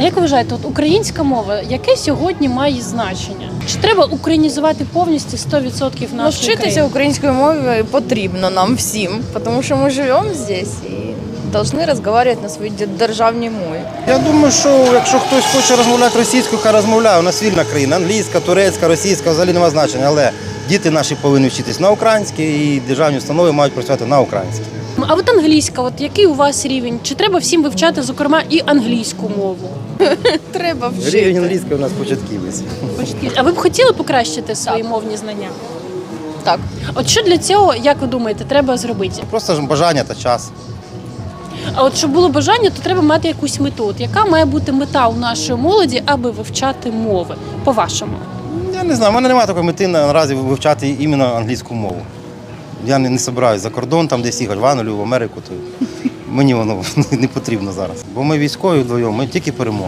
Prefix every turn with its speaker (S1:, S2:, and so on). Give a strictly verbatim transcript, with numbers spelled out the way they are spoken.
S1: як ви вважаєте, от українська мова, яке сьогодні має значення? Чи треба українізувати повністю сто відсотків нашої
S2: Навчитися
S1: країни?
S2: українською мовою потрібно нам всім, тому що ми живемо здесь і повинні розмовляти на своїй державній мові.
S3: Я думаю, що якщо хтось хоче розмовляти російською, хай розмовляє. У нас вільна країна, англійська, турецька, російська, взагалі немає значення. Але діти наші повинні вчитись на українській і державні установи мають працювати на українській.
S1: А от англійська, от який у вас рівень? Чи треба всім вивчати, зокрема, і англійську мову?
S2: Треба
S3: Рівень
S2: вчити.
S3: англійської у нас початківець.
S1: А ви б хотіли покращити свої мовні знання?
S2: Так.
S1: От що для цього, як ви думаєте, треба зробити?
S3: Просто ж бажання та час.
S1: А от щоб було бажання, то треба мати якусь мету. От яка має бути мета у нашої молоді, аби вивчати мови, по-вашому?
S3: Я не знаю, в мене немає такої мети наразі вивчати іменно англійську мову. Я не, не збираюсь за кордон, там десь їхати в Англію, в Америку, то мені воно не потрібно зараз. Бо ми військові вдвоєм, ми тільки переможемо.